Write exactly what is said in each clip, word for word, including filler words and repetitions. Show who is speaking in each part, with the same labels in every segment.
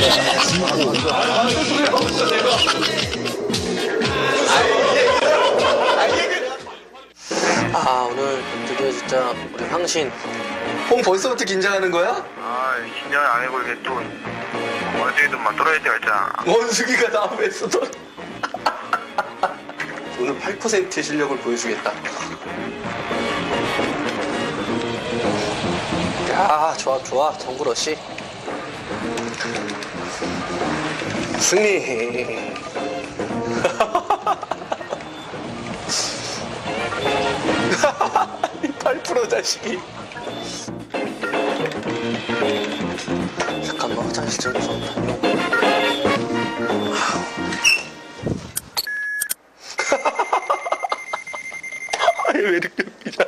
Speaker 1: 아, 오늘 드디어 진짜 우리 황신.
Speaker 2: 형 벌써부터 긴장하는 거야?
Speaker 3: 아, 긴장을 안 해고 이게 또 원숭이들만 떨어질 때가 있잖아.
Speaker 2: 원숭이가 나오면서 너 오늘 팔 퍼센트의 실력을 보여주겠다.
Speaker 1: 야, 좋아, 좋아. 정구러씨.
Speaker 2: 승리. 팔 퍼센트 자식이.
Speaker 1: 잠깐만, 화장실 좀 무섭다.
Speaker 2: 아니, 왜 이렇게 웃기냐.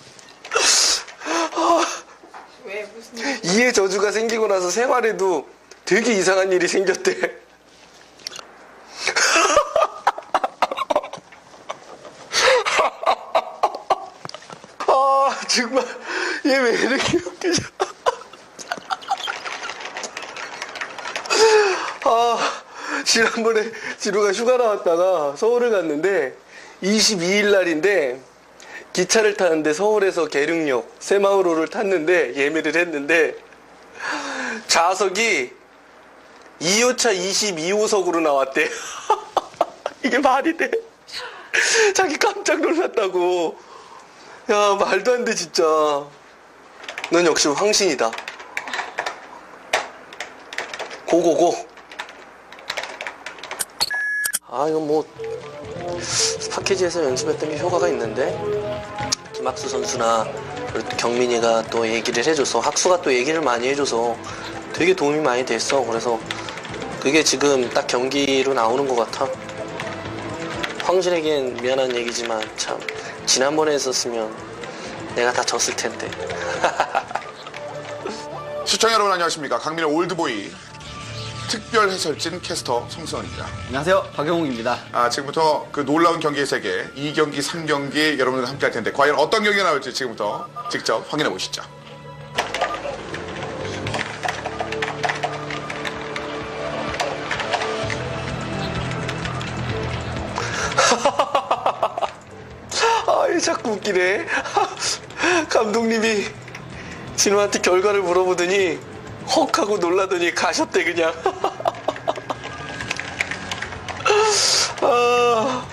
Speaker 4: 왜 무슨 일?
Speaker 2: 이해 저주가 생기고 나서 생활에도 되게 이상한 일이 생겼대. 아, 정말 얘 왜 이렇게 웃기냐. 아, 지난번에 지루가 휴가 나왔다가 서울을 갔는데 이십이 일 날인데 기차를 타는데 서울에서 계룡역 새마을호를 탔는데 예매를 했는데 좌석이 이 호차 이십이 호석으로 나왔대. 이게 말이 돼? 자기 깜짝 놀랐다고. 야, 말도 안 돼 진짜. 넌 역시 황신이다. 고고고.
Speaker 1: 아, 이거 뭐 스파케지에서 연습했던 게 효과가 있는데 김학수 선수나 그리고 또 경민이가 또 얘기를 해줘서 학수가 또 얘기를 많이 해줘서 되게 도움이 많이 됐어. 그래서 그게 지금 딱 경기로 나오는 것 같아. 황진에겐 미안한 얘기지만 참 지난번에 했었으면 내가 다 졌을 텐데.
Speaker 5: 시청자 여러분 안녕하십니까. 강민의 올드보이 특별 해설진 캐스터 송승헌입니다.
Speaker 6: 안녕하세요, 박영웅입니다.
Speaker 5: 아, 지금부터 그 놀라운 경기의 세계 이 경기, 삼 경기 여러분들과 함께 할 텐데 과연 어떤 경기가 나올지 지금부터 직접 확인해 보시죠.
Speaker 2: 아, 얘 자꾸 웃기네. 감독님이 진우한테 결과를 물어보더니 헉 하고 놀라더니 가셨대 그냥. 아,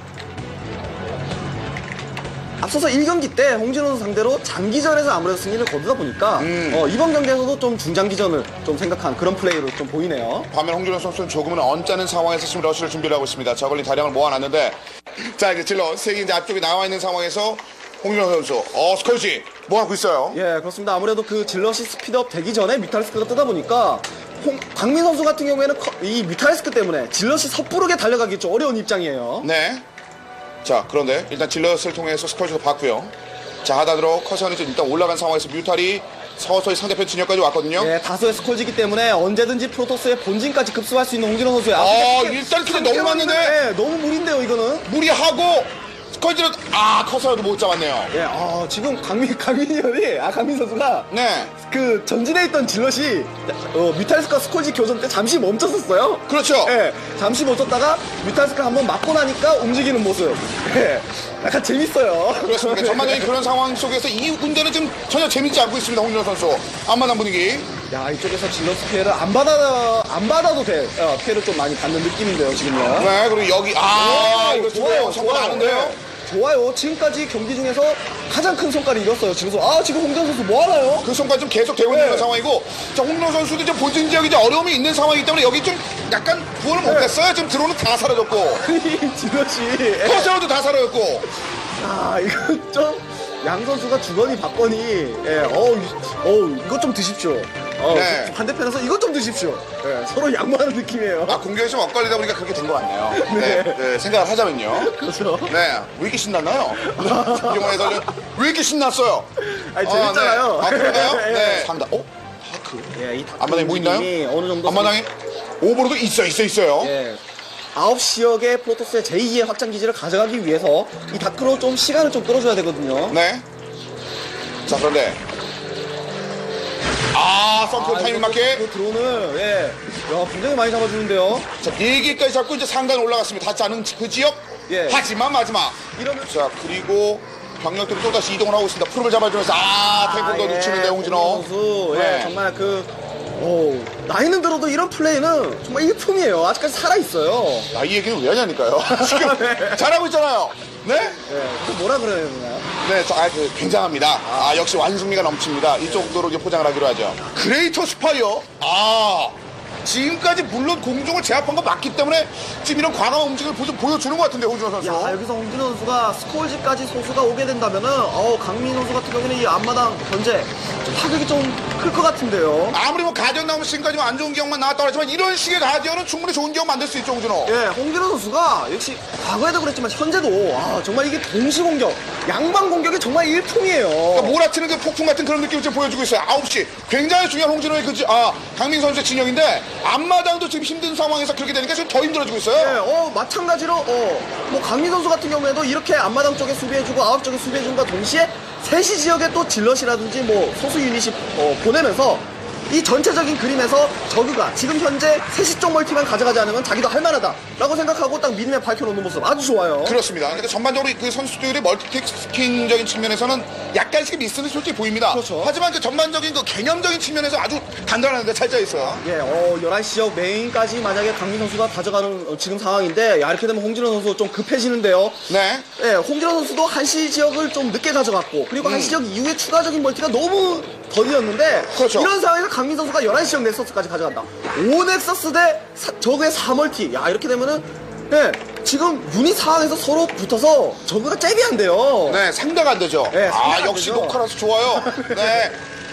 Speaker 6: 앞서서 일 경기 때 홍진호 선수 상대로 장기전에서 아무래도 승리를 거두다 보니까 어, 이번 경기에서도 좀 중장기전을 좀 생각한 그런 플레이로 좀 보이네요.
Speaker 5: 반면 홍준호 선수는 조금은 언짢은 상황에서 지금 러시를 준비를 하고 있습니다. 저걸린 다량을 모아놨는데 자, 이제 질러 색이 이제 앞쪽에 나와 있는 상황에서 홍준호 선수 어 스컬지 뭐 하고 있어요?
Speaker 6: 예, 그렇습니다. 아무래도 그 질럿이 스피드업 되기 전에 뮤탈리스크가 뜨다 보니까 홍, 강민 선수 같은 경우에는 커, 이 뮤탈리스크 때문에 질럿이 섣부르게 달려가기 좀 어려운 입장이에요.
Speaker 5: 네. 자, 그런데 일단 질럿을 통해서 스컬지도 봤고요. 자, 하단으로 커션이 일단 올라간 상황에서 뮤탈이 서서히 상대편 진영까지 왔거든요.
Speaker 6: 예, 다소의 스콜지기 때문에 언제든지 프로토스의 본진까지 급수할 수 있는 홍진호 선수의
Speaker 5: 아, 일단 근데 너무 많은데?
Speaker 6: 예, 너무 무리인데요, 이거는.
Speaker 5: 무리하고 스컬지를 아 커서라도 못 잡았네요.
Speaker 6: 예, 아, 지금 강민, 강민이 형이, 아, 강민 선수가
Speaker 5: 네.
Speaker 6: 그 전진에 있던 질럿이 어, 뮤탈스카 스콜지 교전 때 잠시 멈췄었어요.
Speaker 5: 그렇죠.
Speaker 6: 예, 잠시 멈췄다가 뮤탈스카 한번 맞고 나니까 움직이는 모습. 예, 약간 재밌어요.
Speaker 5: 그렇습니다. 전반적인 그런 상황 속에서 이 운전은 지금 전혀 재밌지 않고 있습니다. 홍준호 선수. 앞마당 분위기.
Speaker 6: 야, 이쪽에서 질럿 피해를 안 받아 안 받아도 돼. 어, 피해를 좀 많이 받는 느낌인데요, 지금요.
Speaker 5: 네, 그리고 여기 아
Speaker 6: 오,
Speaker 5: 이거
Speaker 6: 좋아요,
Speaker 5: 좋아요. 성과 나는데요.
Speaker 6: 네. 좋아요. 지금까지 경기 중에서 가장 큰 성과를 이뤘어요. 지금 아, 지금 홍준 선수 뭐 하나요?
Speaker 5: 그 성과 좀 계속 되고 있는
Speaker 6: 네.
Speaker 5: 상황이고, 자 홍준호 선수도 이제 본진 지역이 이제 어려움이 있는 상황이기 때문에 여기 좀 약간 구원을 못했어요. 지금 드론은 다 사라졌고,
Speaker 6: 이 질럿이.
Speaker 5: 커서도 다 사라졌고.
Speaker 6: 아, 이거 좀 양 선수가 주거니 받거니, 예, 어우, 어우, 이것 좀 드십시오. 어,
Speaker 5: 네.
Speaker 6: 반대편에서 이것 좀 드십시오. 예, 서로 양보하는 느낌이에요.
Speaker 5: 아 공격이 좀 엇갈리다 보니까 그렇게 된 것 같네요. 네. 네, 생각을 하자면요.
Speaker 6: 그렇죠.
Speaker 5: 네, 왜 이렇게 신났나요? 김경환 해설위원 왜 이렇게 신났어요?
Speaker 6: 아니, 재밌잖아요.
Speaker 5: 아, 네. 아 그런가요?
Speaker 6: 예.
Speaker 5: 네. 상다. 어? 다크.
Speaker 6: 예, 이
Speaker 5: 앞마당에 뭐 있나요?
Speaker 6: 어느 정도.
Speaker 5: 앞마당에 오버로도 있어, 있어, 있어요.
Speaker 6: 예. 아홉 지역의 프로토스의 제이의 확장 기지를 가져가기 위해서 이 다크로 좀 시간을 좀 끌어줘야 되거든요.
Speaker 5: 네. 자, 그런데 아, 썸프 타이밍 맞게.
Speaker 6: 그 드론을, 예. 야, 굉장히 많이 잡아주는데요.
Speaker 5: 자, 네 개까지 잡고 이제 상단 올라갔습니다. 닿지 않은 그 지역.
Speaker 6: 예.
Speaker 5: 하지만 마지막.
Speaker 6: 이러면.
Speaker 5: 자, 그리고 병력들이 또다시 이동을 하고 있습니다. 풀을 잡아주면서, 아, 탱크도
Speaker 6: 예,
Speaker 5: 놓치는데, 홍진호.
Speaker 6: 선수,
Speaker 5: 네.
Speaker 6: 예, 정말 그, 오, 나이는 들어도 이런 플레이는 정말 일품이에요. 아직까지 살아있어요.
Speaker 5: 나 이 얘기는 왜 하냐니까요. 지금 잘하고 있잖아요. 네?
Speaker 6: 예, 그 뭐라 그래야 되나요?
Speaker 5: 네, 자, 아, 그, 굉장합니다. 아, 역시 완승리가 넘칩니다. 이 정도로 이제 포장을 하기로 하죠. 그레이터 스파이어? 아, 지금까지 물론 공중을 제압한 거 맞기 때문에 지금 이런 과감한 움직임을 보, 보여주는 것 같은데, 홍준호 선수.
Speaker 6: 야, 여기서 홍진호 선수가 스콜지까지 소수가 오게 된다면은, 어 강민 선수 같은 경우에는 이 앞마당 견제 좀 타격이 좀 클 것 같은데요.
Speaker 5: 아무리 뭐 가디언 나오면 지금까지 안 좋은 기억만 나왔다고 하지만 이런 식의 가디언은 충분히 좋은 기억 만들 수 있죠, 홍준호.
Speaker 6: 예, 홍진호 선수가 역시 과거에도 그랬지만 현재도 아, 정말 이게 동시 공격, 양방 공격이 정말 일품이에요.
Speaker 5: 그러니까 몰아치는 그 폭풍 같은 그런 느낌을 지금 보여주고 있어요. 아홉 시. 굉장히 중요한 홍진호의 그, 지- 아, 강민 선수의 진영인데, 앞마당도 지금 힘든 상황에서 그렇게 되니까 지금 더 힘들어지고
Speaker 6: 예,
Speaker 5: 있어요.
Speaker 6: 어, 마찬가지로, 어, 뭐, 강민 선수 같은 경우에도 이렇게 앞마당 쪽에 수비해주고, 아웃 쪽에 수비해준과 동시에, 세시 지역에 또 질럿이라든지 뭐, 소수 유닛이, 어, 보내면서, 이 전체적인 그림에서 저그가 지금 현재 세시 쪽 멀티만 가져가지 않으면 자기도 할만하다라고 생각하고 딱 미니맵 밝혀놓는 모습 아주 좋아요.
Speaker 5: 그렇습니다. 그러니까 전반적으로 그 선수들의 멀티태스킹적인 측면에서는 약간씩 미스는 솔직히 보입니다.
Speaker 6: 그렇죠.
Speaker 5: 하지만 그 전반적인 그 개념적인 측면에서 아주 단단한데 잘 짜 있어요.
Speaker 6: 예, 어, 열한 시 지역 메인까지 만약에 강민 선수가 가져가는 어, 지금 상황인데, 야, 이렇게 되면 홍진호 선수 좀 급해지는데요.
Speaker 5: 네.
Speaker 6: 예, 홍진호 선수도 한시 지역을 좀 늦게 가져갔고, 그리고 한시 지역 이후에 추가적인 멀티가 너무 더디었는데,
Speaker 5: 그렇죠.
Speaker 6: 이런 상황에서 강민 선수가 열한 시 지역 넥서스까지 가져간다. 오 넥서스 대 사, 저그의 사 멀티. 야, 이렇게 되면은, 예, 지금 유닛 상황에서 서로 붙어서 저그가 잽이 안 돼요.
Speaker 5: 네, 상대가 안 되죠.
Speaker 6: 네, 상대가
Speaker 5: 아,
Speaker 6: 안
Speaker 5: 역시
Speaker 6: 되죠.
Speaker 5: 녹화라서 좋아요. 네.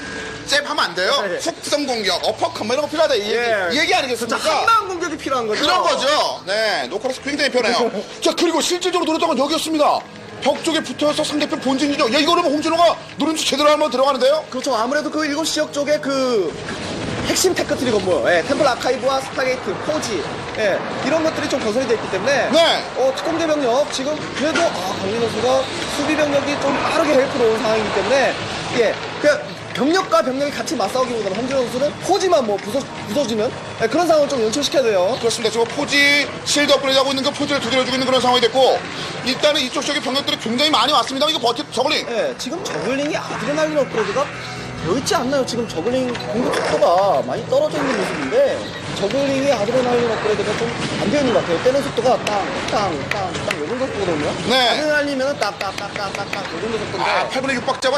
Speaker 5: 잽하면 안 돼요.
Speaker 6: 네.
Speaker 5: 속성 공격, 어퍼컷 뭐 이런 거 필요하다. 이 얘기,
Speaker 6: 예.
Speaker 5: 이 얘기
Speaker 6: 진짜
Speaker 5: 아니겠습니까?
Speaker 6: 한방 공격이 필요한 거죠.
Speaker 5: 그런 거죠. 네, 녹화라서 굉장히 편해요. 자, 그리고 실질적으로 노렸던 건 여기였습니다. 벽 쪽에 붙어서 상대편 본진이죠. 야, 이거는 뭐 홍진호가 누른지 제대로 한번 들어가는데요?
Speaker 6: 그렇죠. 아무래도 그 일곱 시 지역 쪽에 그 핵심 테크트리 건물, 예, 템플 아카이브와 스타게이트, 포지, 예, 이런 것들이 좀 건설이 되어 있기 때문에,
Speaker 5: 네.
Speaker 6: 어, 특공대 병력, 지금 그래도, 아, 강민 선수가 수비 병력이 좀 빠르게 헬프로 온 상황이기 때문에, 예, 그냥 병력과 병력이 같이 맞싸우기보다는 홍진호 선수는 포지만 뭐 부서, 부서지는 예, 그런 상황을 좀 연출시켜야 돼요.
Speaker 5: 그렇습니다. 지금 포지 실드 업그레이드 하고 있는 그 포지를 두드려주고 있는 그런 상황이 됐고, 일단은 이쪽 쪽에 병력들이 굉장히 많이 왔습니다. 이거 버티, 저글링.
Speaker 6: 예, 지금 저글링이 아드레날린 업그레이드가 되어 있지 않나요? 지금 저글링 공격 속도가 많이 떨어져 있는 모습인데 저글링이 아드레날린 업그레이드가 좀 안 되어 있는 것 같아요. 때는 속도가 땅, 땅, 땅, 땅, 요 정도 속도거든요.
Speaker 5: 네.
Speaker 6: 아드레날린이면 딱, 딱, 딱, 딱, 딱, 딱, 요 정도 속도인데.
Speaker 5: 아, 팔 분의 육 박자와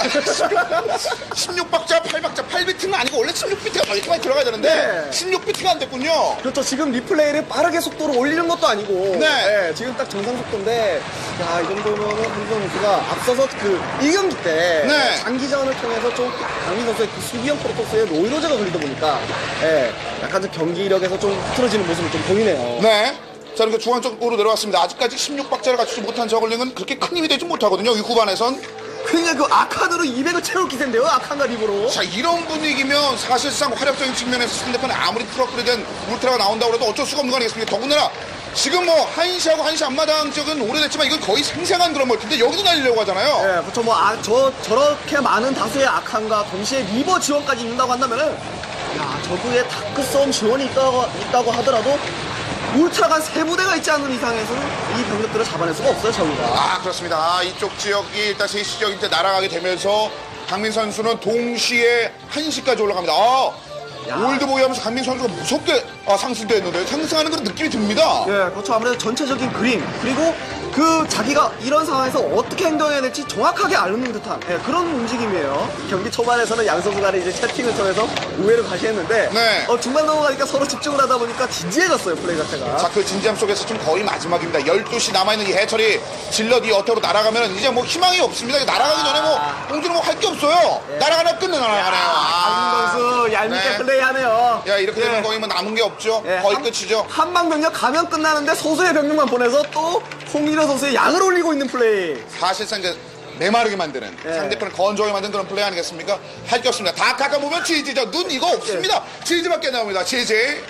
Speaker 5: 십육 박자, 팔 박자, 팔 비트는 아니고 원래 십육 비트가 더 이렇게 많이 들어가야 되는데
Speaker 6: 네.
Speaker 5: 십육 비트가 안 됐군요.
Speaker 6: 그렇죠. 지금 리플레이를 빠르게 속도를 올리는 것도 아니고.
Speaker 5: 네.
Speaker 6: 예, 지금 딱 정상 속도인데, 야, 이 정도면은 황정 선수가 앞서서 그 일 경기 때.
Speaker 5: 네.
Speaker 6: 장기전을 통해서 좀 강민 선수의 그 수비형 프로토스에 노이로제가 걸리다 보니까, 예, 약간 좀 경기력에서 좀 흐트러지는 모습을 좀 보이네요.
Speaker 5: 네. 자, 이렇게 중앙 쪽으로 내려왔습니다. 아직까지 십육 박자를 갖추지 못한 저글링은 그렇게 큰 힘이 되지 못하거든요. 이 후반에선.
Speaker 6: 그냥 그 아칸으로 이백을 채울 기세인데요, 아칸과 립으로.
Speaker 5: 자, 이런 분위기면 사실상 화력적인 측면에서 상대편에 아무리 프로그레된 울트라가 나온다고 해도 어쩔 수가 없는 거 아니겠습니까? 더군다나 지금 뭐 한시하고 한시 앞마당 지역은 오래됐지만 이건 거의 생생한 그런 멀티인데 여기도 날리려고 하잖아요.
Speaker 6: 예, 그렇죠. 뭐, 아, 저, 저렇게 많은 다수의 아칸과 동시에 리버 지원까지 있는다고 한다면은, 야, 저그의 다크 싸움 지원이 있다고, 있다고 하더라도, 울트라가 세 부대가 있지 않은 이상에서는 이 병력들을 잡아낼 수가 없어요, 저그가.
Speaker 5: 아, 그렇습니다. 아, 이쪽 지역이 일단 세시 지역인데 날아가게 되면서 강민 선수는 동시에 한시까지 올라갑니다. 아,
Speaker 6: 야.
Speaker 5: 올드보이 하면서 강민 선수가 무섭게 아, 상승됐는데 상승하는 그런 느낌이 듭니다.
Speaker 6: 예, 그렇죠. 아무래도 전체적인 그림, 그리고 그 자기가 이런 상황에서 어떻게 행동해야 될지 정확하게 알는 듯한 예, 그런 움직임이에요. 경기 초반에서는 양 선수 간에 이제 채팅을 통해서 우회를 과시했는데,
Speaker 5: 네.
Speaker 6: 어, 중반 넘어가니까 서로 집중을 하다 보니까 진지해졌어요, 플레이 자체가.
Speaker 5: 자, 그 진지함 속에서 지금 거의 마지막입니다. 열두 시 남아있는 이 해철이 질럿 이 어태로 날아가면 이제 뭐 희망이 없습니다. 날아가기 전에 뭐 홍준호 뭐 할 게 없어요. 날아가나 끝내 날아가네요.
Speaker 6: 강민 선수 얄밉게
Speaker 5: 네.
Speaker 6: 플레이하네요.
Speaker 5: 야, 이렇게 되면
Speaker 6: 예.
Speaker 5: 거의 뭐 남은 게 없죠.
Speaker 6: 예,
Speaker 5: 거의
Speaker 6: 한-
Speaker 5: 끝이죠.
Speaker 6: 한방 병력 가면 끝나는데 소수의 병력만 보내서 또 홍일호 선수의 양을 올리고 있는 플레이.
Speaker 5: 사실상 이제 메마르게 만드는
Speaker 6: 예.
Speaker 5: 상대편을 건조하게 만드는 그런 플레이 아니겠습니까? 할 게 없습니다. 다 깎아보면 지지죠. 눈 이거 없습니다. 지지밖에 나옵니다. 지지.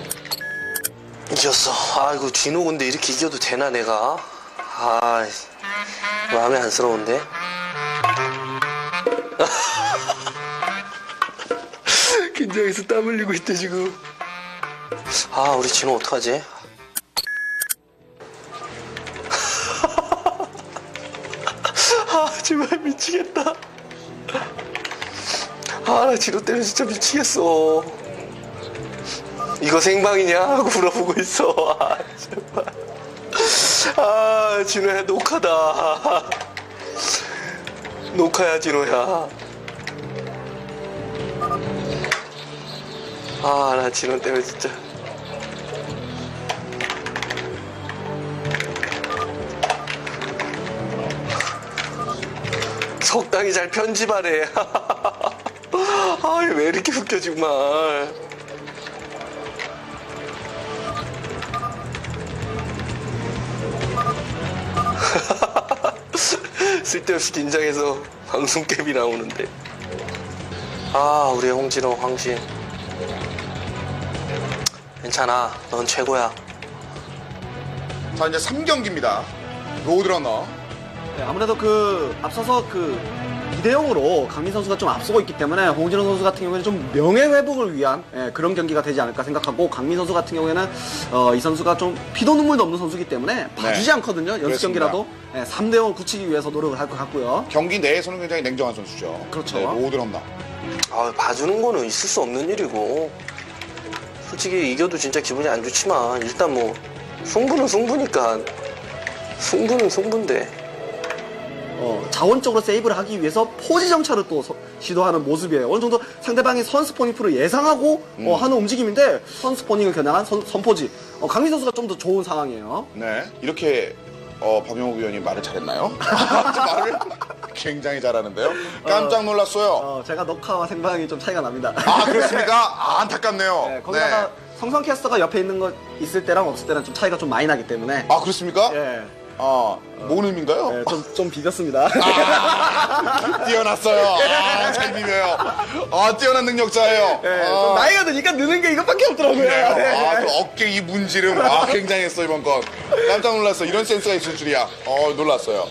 Speaker 1: 이겼어. 아이고, 진호 근데 이렇게 이겨도 되나, 내가? 아, 마음에 안쓰러운데?
Speaker 2: 긴장해서 땀 흘리고 있대 지금.
Speaker 1: 아, 우리 진호 어떡하지?
Speaker 2: 아 정말 미치겠다. 아 나 진호 때문에 진짜 미치겠어. 이거 생방이냐 하고 물어보고 있어. 아 정말. 아 진호야 녹화다. 녹화야 진호야. 아 나 진호 때문에 진짜. 적당히 잘 편집하래. 아, 왜 이렇게 웃겨, 정말. 쓸데없이 긴장해서 방송캡이 나오는데.
Speaker 1: 아, 우리 홍진호, 황신. 괜찮아. 넌 최고야.
Speaker 5: 자, 이제 삼 경기입니다. 로드러너.
Speaker 6: 네, 아무래도 그 앞서서 그 이 대 영으로 강민 선수가 좀 앞서고 있기 때문에 홍진호 선수 같은 경우에는 좀 명예 회복을 위한 예, 그런 경기가 되지 않을까 생각하고, 강민 선수 같은 경우에는 어, 이 선수가 좀 피도 눈물도 없는 선수이기 때문에 봐주지 않거든요. 연습
Speaker 5: 그렇습니다.
Speaker 6: 경기라도 예, 삼 대 영을 굳히기 위해서 노력을 할 것 같고요.
Speaker 5: 경기 내에서는 굉장히 냉정한 선수죠.
Speaker 6: 그렇죠.
Speaker 5: 네, 로드러너.
Speaker 1: 아, 봐주는 거는 있을 수 없는 일이고. 솔직히 이겨도 진짜 기분이 안 좋지만, 일단 뭐, 승부는 승부니까. 승부는 승부인데.
Speaker 6: 어, 자원적으로 세이브를 하기 위해서 포지 정찰을 또 서- 시도하는 모습이에요. 어느 정도 상대방의 선스포닝풀을 예상하고 어, 하는 움직임인데, 선스포닝을 겨냥한 선, 선포지. 어, 강민 선수가 좀 더 좋은 상황이에요.
Speaker 5: 네. 이렇게, 어, 박용욱 위원이 말을 잘했나요? 말을 굉장히 잘하는데요. 깜짝 놀랐어요.
Speaker 6: 어, 제가 녹화와 생방이 좀 차이가 납니다.
Speaker 5: 아, 그렇습니까? 아, 안타깝네요.
Speaker 6: 네, 거기다가
Speaker 5: 네.
Speaker 6: 성성 캐스터가 옆에 있는 거 있을 때랑 없을 때랑 좀 차이가 좀 많이 나기 때문에.
Speaker 5: 아, 그렇습니까?
Speaker 6: 예.
Speaker 5: 아, 뭔 의미인가요?
Speaker 6: 네, 좀, 좀 비겼습니다.
Speaker 5: 아, 뛰어났어요. 아, 잘 비벼요. 아, 뛰어난 능력자예요.
Speaker 6: 네,
Speaker 5: 아,
Speaker 6: 좀 나이가 드니까 느는 게 이것밖에 없더라고요.
Speaker 5: 네. 아,
Speaker 6: 네.
Speaker 5: 그 어깨 이 문지름. 아, 굉장했어, 이번 건. 깜짝 놀랐어. 이런 센스가 있을 줄이야. 어, 놀랐어요.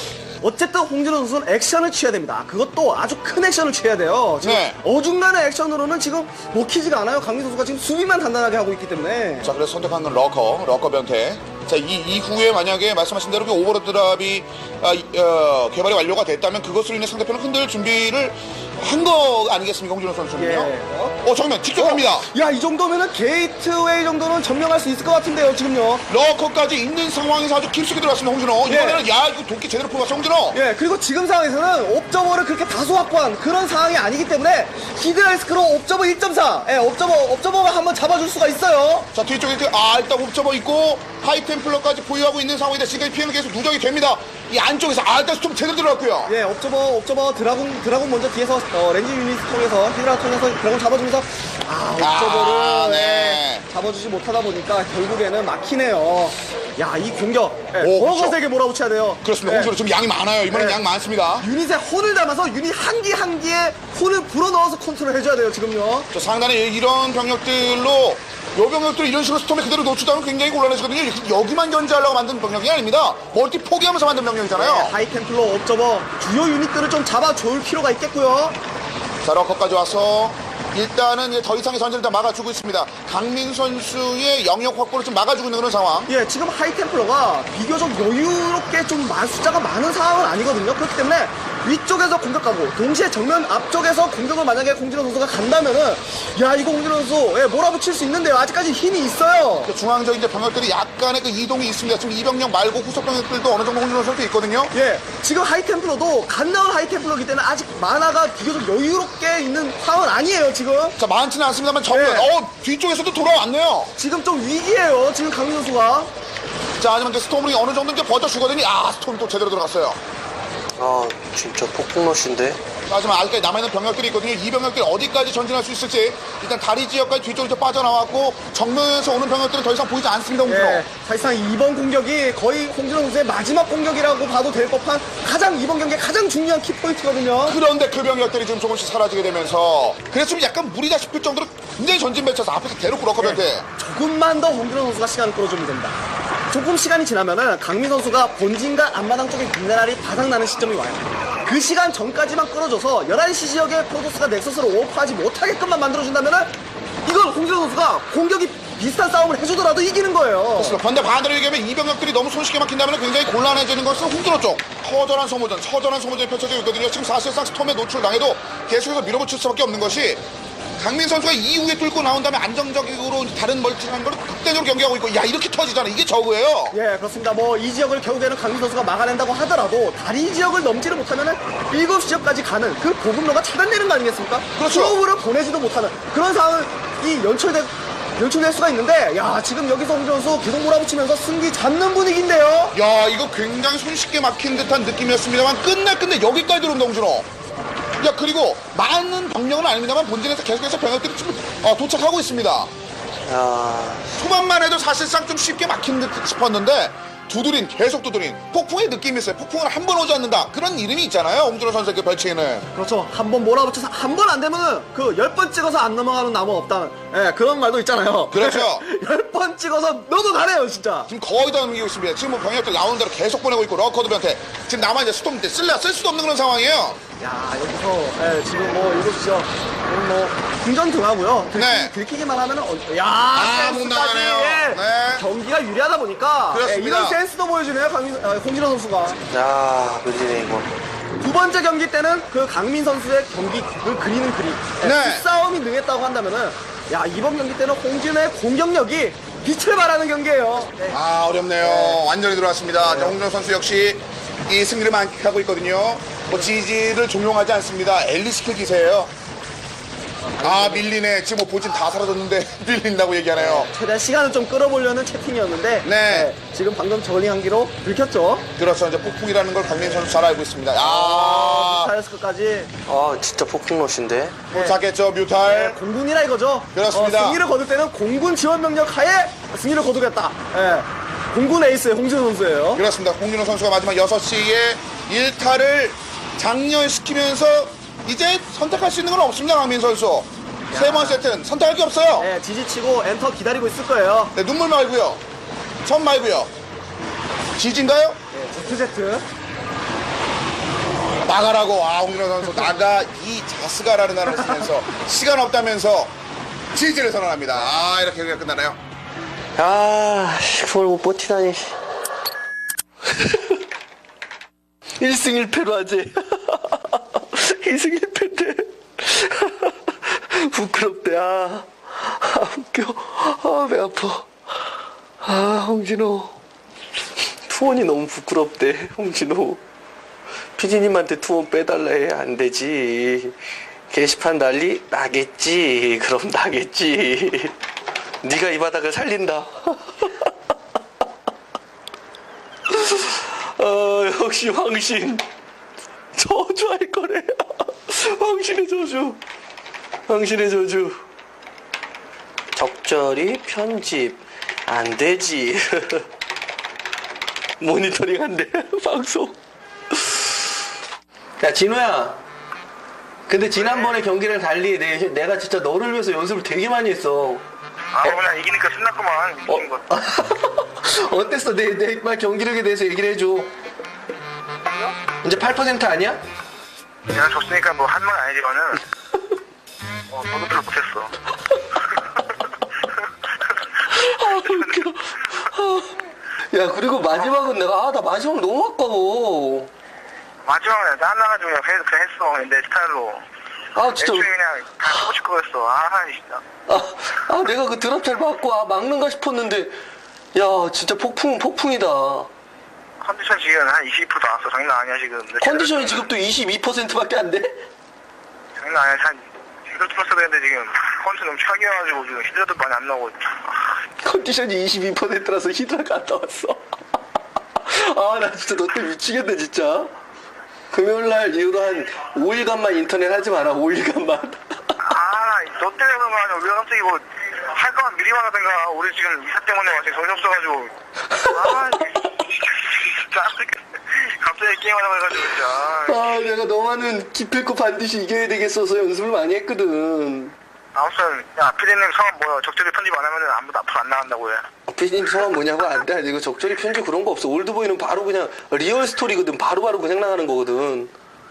Speaker 6: 어쨌든 홍진호 선수는 액션을 취해야 됩니다. 그것도 아주 큰 액션을 취해야 돼요. 지금
Speaker 5: 네.
Speaker 6: 어중간한 액션으로는 지금 먹히지가 않아요. 강민 선수가 지금 수비만 단단하게 하고 있기 때문에.
Speaker 5: 자, 그래서 선택한 건 러커, 러커 변태. 자, 이 이후에 만약에 말씀하신 대로 그 오버로드 드랍이 아, 이, 어, 개발이 완료가 됐다면 그것으로 인해 상대편을 흔들 준비를 한 거 아니겠습니까, 홍진호 선수는요?
Speaker 6: 예.
Speaker 5: 어, 정면 직접 갑니다.
Speaker 6: 야, 이 정도면은 게이트웨이 정도는 점령할 수 있을 것 같은데요, 지금요.
Speaker 5: 러커까지 있는 상황에서 아주 깊숙이 들어갔습니다, 홍진호.
Speaker 6: 예.
Speaker 5: 이번에는 야, 이거 도끼 제대로 뽑았어, 홍진호.
Speaker 6: 예, 그리고 지금 상황에서는 옵저버를 그렇게 다소 확보한 그런 상황이 아니기 때문에 히드라이스크로 옵저버 일 점 사, 예, 옵저버, 옵저버가 한번 잡아줄 수가 있어요.
Speaker 5: 자, 뒤쪽에 그, 아, 일단 옵저버 있고 하이템플러까지 보유하고 있는 상황인데 지금까지 피해는 계속 누적이 됩니다. 이 안쪽에서 아, 일단 스톰 제대로 들어갔고요.
Speaker 6: 예, 옵저버, 옵저버, 드라군, 드라군 먼저 뒤에서, 어, 렌즈 유닛 통해서, 히드라 통해서 드라군 잡아주면서, 아, 옵저버를,
Speaker 5: 아, 네.
Speaker 6: 예, 잡아주지 못하다 보니까 결국에는 막히네요. 야, 이 공격, 예,
Speaker 5: 오,
Speaker 6: 더
Speaker 5: 그렇죠.
Speaker 6: 거세게 몰아붙여야 돼요.
Speaker 5: 그렇습니다.
Speaker 6: 예.
Speaker 5: 홍진호 지금 양이 많아요. 이번엔
Speaker 6: 네.
Speaker 5: 양 많습니다.
Speaker 6: 유닛에 혼을 담아서 유닛 한 기 한 기에 혼을 불어넣어서 컨트롤 해줘야 돼요, 지금요.
Speaker 5: 저 상단에 이런 병력들로 요 병력들 이런 식으로 스톰에 그대로 노출하면 굉장히 곤란해지거든요. 여기만 견제하려고 만든 병력이 아닙니다. 멀티 포기하면서 만든 병력이잖아요.
Speaker 6: 네, 하이템플러, 옵저버, 주요 유닛들을 좀 잡아줄 필요가 있겠고요.
Speaker 5: 자, 러커까지 와서 일단은 이제 더 이상의 전쟁을 다 막아주고 있습니다. 강민 선수의 영역 확보를 좀 막아주고 있는 그런 상황.
Speaker 6: 예, 지금 하이템플러가 비교적 여유롭게 좀 마- 숫자가 많은 상황은 아니거든요. 그렇기 때문에 위쪽에서 공격하고 동시에 정면 앞쪽에서 공격을 만약에 홍진호 선수가 간다면은, 야, 이거 홍진호 선수 예, 몰아붙일 수 있는데요. 아직까지 힘이 있어요.
Speaker 5: 그 중앙적인 이제 병력들이 약간의 그 이동이 있습니다. 지금 이 병력 말고 후속 병력들도 어느 정도 홍진호 선수 있거든요.
Speaker 6: 예, 지금 하이템플러도 갓 나온 하이템플러이기 때문에 아직 만화가 비교적 여유롭게 있는 상황은 아니에요, 지금.
Speaker 5: 자, 많지는 않습니다만 정면,
Speaker 6: 네.
Speaker 5: 어, 뒤쪽에서도 돌아왔네요.
Speaker 6: 지금 좀 위기예요, 지금 강민 선수가.
Speaker 5: 자, 하지만 이제 스톰이 어느 정도 이제 버텨주거든요. 아, 스톰이 또 제대로 들어갔어요.
Speaker 1: 아, 진짜 폭풍러시인데?
Speaker 5: 하지만 아직까지 남아있는 병력들이 있거든요. 이 병력들이 어디까지 전진할 수 있을지. 일단 다리 지역까지 뒤쪽으로 빠져나왔고 정면에서 오는 병력들은 더 이상 보이지 않습니다. 홍진호.
Speaker 6: 예, 사실상 이번 공격이 거의 홍진호 선수의 마지막 공격이라고 봐도 될 법한 가장 이번 경기의 가장 중요한 키포인트거든요.
Speaker 5: 그런데 그 병력들이 지금 조금씩 사라지게 되면서 그래서 좀 약간 무리다 싶을 정도로 굉장히 전진 배쳐서 앞에서 대놓고 러커변태.
Speaker 6: 조금만 더 홍진호 선수가 시간을 끌어주면 됩니다. 조금 시간이 지나면은 강민 선수가 본진과 앞마당 쪽에 미네랄이 바닥나는 시점이 와요. 그 시간 전까지만 끌어줘서 열한 시 지역에 프로토스가 넥서스를 오버하지 못하게끔만 만들어준다면은 이걸 홍진호 선수가 공격이 비슷한 싸움을 해주더라도 이기는 거예요.
Speaker 5: 그렇습니다. 그런데 반대로 얘기하면 이 병력들이 너무 손쉽게 막힌다면 굉장히 곤란해지는 것은 홍준호 쪽. 처절한 소모전, 처절한 소모전이 펼쳐지고 있거든요. 지금 사실상 스톰에 노출당해도 계속해서 밀어붙일 수밖에 없는 것이 강민 선수가 이후에 뚫고 나온 다음에 안정적으로 다른 멀티를 하는 걸 극단적으로 경기하고 있고, 야, 이렇게 터지잖아. 이게 저거예요.
Speaker 6: 예, 그렇습니다. 뭐 이 지역을 결국에는 강민 선수가 막아낸다고 하더라도 다리 지역을 넘지를 못하면은 일곱 지역까지 가는 그 보급로가 차단되는 거 아니겠습니까?
Speaker 5: 그렇죠.
Speaker 6: 프로브를 보내지도 못하는 그런 상황을 이 연출될 연출될 수가 있는데, 야, 지금 여기서 홍준호 선수 계속 몰아붙이면서 승기 잡는 분위기인데요.
Speaker 5: 야, 이거 굉장히 손쉽게 막힌 듯한 느낌이었습니다만 끝내 끝내 여기까지 들어온다, 홍준호. 야, 그리고 많은 병력은 아닙니다만 본진에서 계속해서 병력들이 지금 어, 도착하고 있습니다.
Speaker 1: 야,
Speaker 5: 초반만 해도 사실상 좀 쉽게 막힌 듯 싶었는데 두드린, 계속 두드린 폭풍의 느낌이 있어요. 폭풍은 한 번 오지 않는다, 그런 이름이 있잖아요, 홍준호 선수의 그 별칭에는.
Speaker 6: 그렇죠. 한 번 몰아붙여서 한 번 안 되면은 그 열 번 찍어서 안 넘어가는 나무 없다는, 예, 그런 말도 있잖아요.
Speaker 5: 그렇죠.
Speaker 6: 열 번 찍어서 넘어가네요, 진짜.
Speaker 5: 지금 거의 다 넘기고 있습니다. 지금 뭐 병력들 나오는 대로 계속 보내고 있고, 러커드 변태 지금 남아 이제 스톰 때 쓸래 쓸 수도 없는 그런 상황이에요.
Speaker 6: 야, 여기서 예, 지금 뭐 이거죠. 뭐 궁전 등하고요. 들키,
Speaker 5: 네.
Speaker 6: 들키기만 하면은 어, 야,
Speaker 5: 아, 못
Speaker 6: 센스까지,
Speaker 5: 나가네요.
Speaker 6: 예,
Speaker 5: 네.
Speaker 6: 경기가 유리하다 보니까 예,
Speaker 5: 그렇습니다.
Speaker 6: 이런 센스도 보여주네요, 강민, 어, 홍진호 선수가.
Speaker 1: 야, 밀리네 이거.
Speaker 6: 두 번째 경기 때는 그 강민 선수의 경기 그 그리는 그림, 예,
Speaker 5: 네.
Speaker 6: 그 싸움이 능했다고 한다면은, 야, 이번 경기 때는 홍진호의 공격력이 빛을 발하는 경기예요. 네.
Speaker 5: 아, 어렵네요. 완전히 들어왔습니다. 자, 홍준호 선수 역시 이 승리를 만끽하고 있거든요. 뭐 지지를 종용하지 않습니다. 엘리 스킬 기세예요. 아, 밀리네. 지금 뭐 보진 다 사라졌는데 밀린다고 얘기하네요.
Speaker 6: 최대한 시간을 좀 끌어보려는 채팅이었는데,
Speaker 5: 네.
Speaker 6: 예, 지금 방금 저글링 한 기로 들켰죠.
Speaker 5: 그렇죠. 이제 폭풍이라는 걸 강민 선수 잘 알고 있습니다. 아,
Speaker 6: 타이어스크까지
Speaker 1: 아, 진짜 폭풍롯인데.
Speaker 5: 도착했죠, 뮤탈.
Speaker 6: 공군이라 이거죠.
Speaker 5: 그렇습니다.
Speaker 6: 어, 승리를 거둘 때는 공군 지원 병력 하에 승리를 거두겠다. 예. 공군 에이스 홍진호 선수예요.
Speaker 5: 그렇습니다. 홍준호 선수가 마지막 여섯 시에 일 타를 장렬시키면서 이제 선택할 수 있는 건 없습니다, 강민 선수. 세 번 세트는 선택할 게 없어요.
Speaker 6: 예, 지지치고 엔터 기다리고 있을 거예요.
Speaker 5: 네, 눈물 말고요. 천 말고요. 지진가요?
Speaker 6: 예, 제트제트.
Speaker 5: 나가라고. 아, 홍준호 선수 나가 이 자스가라는 단어를 쓰면서 시간 없다면서 지지를 선언합니다. 아, 이렇게 경기가 끝나나요?
Speaker 1: 아, 씨, 그걸 못 버티다니. 일 승 일 패로 하지. 이 승 일 패인데. 부끄럽대. 아, 아, 웃겨. 아, 배 아파. 아, 홍진호. 투원이 너무 부끄럽대, 홍진호. 피디님한테 투원 빼달라 해. 안 되지. 게시판 난리 나겠지. 그럼 나겠지. 네가 이 바닥을 살린다. 어, 역시 황신. 저주할 거래. 황신의 저주. 황신의 저주. 적절히 편집. 안 되지. 모니터링 한대. 방송. 야, 진호야. 근데 지난번에 경기를 달리 내, 내가 진짜 너를 위해서 연습을 되게 많이 했어.
Speaker 3: 아, 그냥 이기니까 신났구만. 이긴 거.
Speaker 1: 어땠어? 내, 내 말 경기력에 대해서 얘기를 해줘. 이제 팔 퍼센트 아니야?
Speaker 3: 내가 졌으니까 뭐 한 말 아니지만은 어, 너도 못했어.
Speaker 1: 아, 웃겨. 아. 야, 그리고 마지막은 내가, 아, 나 마지막 너무 아까워.
Speaker 3: 마지막에 짠나가지고 그냥, 해- 그냥 했어. 내 스타일로.
Speaker 1: 아, 진짜.
Speaker 3: 애초에 그냥 다 하고 싶고 했어. 아, 진짜.
Speaker 1: 아, 아, 내가 그 드랍 잘 맞고, 아, 막는가 싶었는데, 야, 진짜 폭풍, 폭풍이다.
Speaker 3: 컨디션 지금 한 이십 퍼센트 나왔어. 장난 아니야, 지금. 내
Speaker 1: 컨디션이
Speaker 3: 제대로
Speaker 1: 지금 또 이십이 퍼센트밖에 안 돼?
Speaker 3: 장난 아니야. 한, 제대로 뚫었어야 되는데 지금 컨디션 너무 차기여가지고 지금 히드라도 많이 안 나오고. 아,
Speaker 1: 컨디션이 이십이 퍼센트라서 히드라 갔다 왔어. 아, 나 진짜 너 때문에 미치겠네, 진짜. 금요일날 이후로 한 오 일간만 인터넷 하지 마라, 오 일간만.
Speaker 3: 아, 너 때문에 그런 거 아니야. 우리가 갑자기 뭐, 할 거면 미리 말하든가. 우리 지금 이사 때문에 완전히 정신 없어가지고. 아, 진짜. 갑자기 게임하자고 해가지고, 진짜.
Speaker 1: 아, 내가 너만은 기필코 반드시 이겨야 되겠어서 연습을 많이 했거든.
Speaker 3: 아무튼, 야, 피디님 성함 뭐야? 적절히 편집 안 하면은 아무도 앞으로 안 나간다고 해.
Speaker 1: 피디님 성함 뭐냐고? 안 돼. 이거 적절히 편집 그런 거 없어. 올드보이는 바로 그냥 리얼 스토리거든. 바로바로 그냥 나가는 거거든.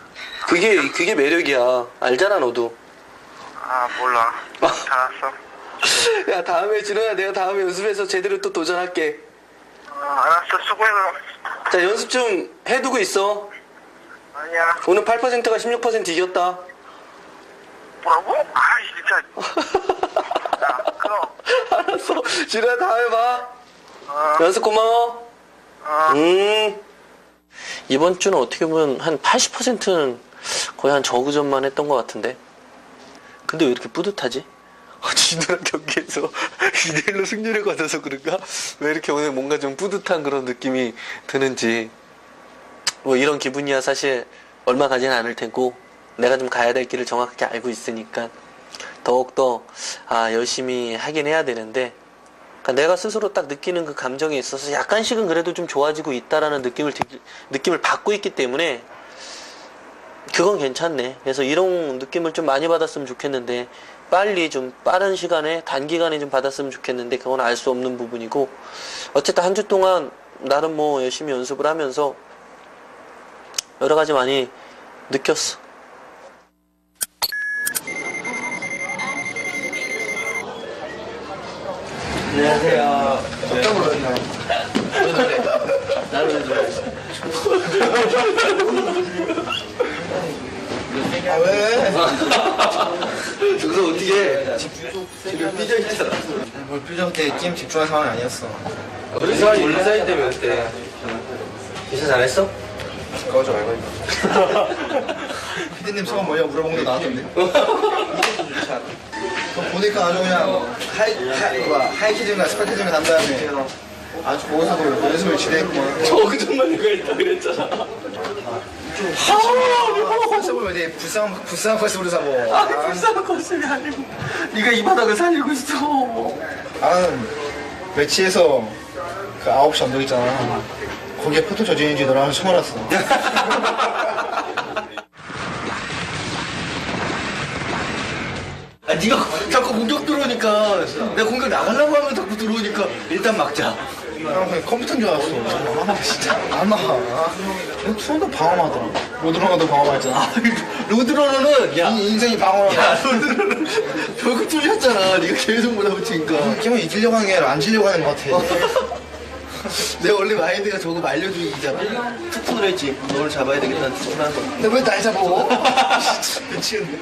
Speaker 1: 그게 그게 매력이야. 알잖아 너도.
Speaker 3: 아 몰라. 다 알았어.
Speaker 1: 야 다음에 진호야 내가 다음에 연습해서 제대로 또 도전할게.
Speaker 3: 아, 알았어. 수고해서.
Speaker 1: 자 연습 좀 해두고 있어.
Speaker 3: 아니야.
Speaker 1: 오늘 팔 퍼센트가 십육 퍼센트 이겼다.
Speaker 3: 뭐라고? 아이 진짜. 야 그럼.
Speaker 1: 알았어. 진호야 다음에 봐.
Speaker 3: 어.
Speaker 1: 연습 고마워.
Speaker 3: 어.
Speaker 1: 음. 이번 주는 어떻게 보면 한 팔십 퍼센트는 거의 한 저그전만 했던 것 같은데. 근데 왜 이렇게 뿌듯하지? 진호랑 경기에서 이 대 일로 승리를 거둬서 그런가? 왜 이렇게 오늘 뭔가 좀 뿌듯한 그런 느낌이 드는지. 뭐 이런 기분이야 사실 얼마 가지는 않을 테고 내가 좀 가야 될 길을 정확하게 알고 있으니까 더욱더 아 열심히 하긴 해야 되는데 그러니까 내가 스스로 딱 느끼는 그 감정에 있어서 약간씩은 그래도 좀 좋아지고 있다라는 느낌을 드- 느낌을 받고 있기 때문에 그건 괜찮네. 그래서 이런 느낌을 좀 많이 받았으면 좋겠는데 빨리 좀 빠른 시간에 단기간에 좀 받았으면 좋겠는데 그건 알 수 없는 부분이고 어쨌든 한 주 동안 나름 뭐 열심히 연습을 하면서 여러 가지 많이 느꼈어. 안녕하세요. 깜짝 놀랐네요. 왜 그래? 나를 왜 그래?
Speaker 6: 아 왜?
Speaker 1: 여기서 어떻게 해? 지금 삐져있잖아.
Speaker 6: 뭘 표정 때 게임 집중할 상황이 아니었어.
Speaker 1: 우리 사이, 우리 사이 때문에 어때? 기사 잘했어?
Speaker 6: 꺼져 말고 피디님 소감 뭐냐 물어본 게 나왔던데. 그거 보니까 아주 그냥 하이, 하이, 뭐야, 하이키즈인가 스파키즈인가 난 다음에 아주 거기서도 연습을 지대했구만.
Speaker 1: 저그 정말 누가 있다 그랬잖아.
Speaker 6: 컨셉을 왜 불쌍한, 불쌍한 컨셉으로 사고.
Speaker 1: 아, 불쌍한 컨셉이 아니고 네가 이 바닥을 살리고 있어.
Speaker 6: 나는 매치에서 그 아홉 시 언덕 있잖아. 거기에 포토 저지인지 너랑 처음 알았어.
Speaker 1: 아, 네가 자꾸 공격 들어오니까 내가 공격 나가려고 하면 자꾸 들어오니까 일단 막자.
Speaker 6: 나 그냥 컴퓨터인 줄 알았어. 아, 진짜. 안 나가. 수원도 방어하더라. 로드러너도 방어했잖아.
Speaker 1: 로드러너는 야,
Speaker 6: 이 인생이 방어하다.
Speaker 1: 야 로드러너는 결국 뚫렸잖아. 네가 계속 몰아붙이니까.
Speaker 6: 게임은 이기려고 하는 게 아니라 안 지려고 하는 것 같아.
Speaker 1: 내가 원래 마인드가 저거 말려주기잖아. 투푼을 했지. 너를 잡아야 되겠다는 투푼 한 거.
Speaker 6: 근데 왜 날 잡아? 미치겠네.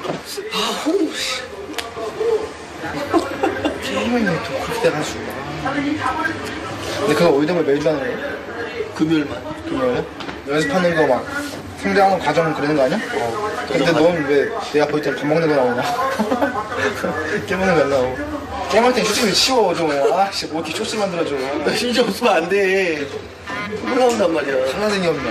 Speaker 6: 게임은 또 그렇게 돼가지고. 근데 그거 올드면 매주 하는 거야?
Speaker 1: 금요일만.
Speaker 6: 금요일에? 연습하는 거 막 상대하는 과정 그러는 거 아니야? 어. 근데 넌 왜 내 앞에 있잖아 밥 먹는 거 나오냐? 게임하는 거 안 나오고. 게임할 땐 쇼츠를 치워 좀. 아씨 뭐 이렇게 쇼츠 만들어줘.
Speaker 1: 나 진짜 없으면 안 돼. 콧물 나온단 말이야.
Speaker 6: 하나생이 없냐?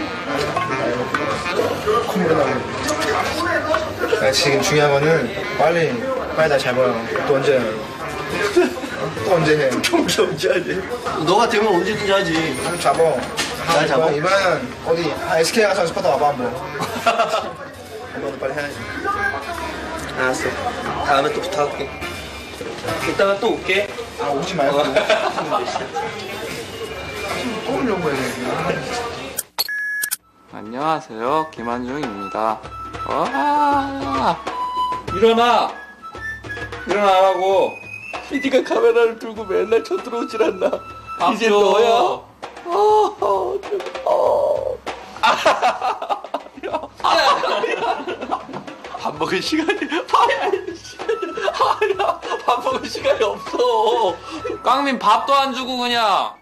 Speaker 6: 콧물이 나오네. 아, 지금 중요한 거는 빨리 빨리 날 잘 봐요. 또 언제 또 언제 해?
Speaker 1: 경기 언제 하지? 너가 되면 언제든지 하지.
Speaker 6: 좀 잡아.
Speaker 1: 날 잡아?
Speaker 6: 이번엔, 이번엔 어디 아, 에스케이 가서 연습하다 와봐 한번. 한번 빨리 해야지.
Speaker 1: 알았어. 다음에 또 부탁할게. 이따가 또 올게.
Speaker 6: 아 오지 말고. 꼬으려고 해.
Speaker 7: 안녕하세요, 김한중입니다. 와, 일어나! 일어나라고!
Speaker 1: 피디가 카메라를 들고 맨날 쳐들어오질 않나. 이제
Speaker 7: 박수.
Speaker 1: 너야. 아, 어. 밥 먹을 시간이 밥 먹을 시간이 아야 밥 먹을 시간이 없어.
Speaker 7: 깡민 밥도 안 주고 그냥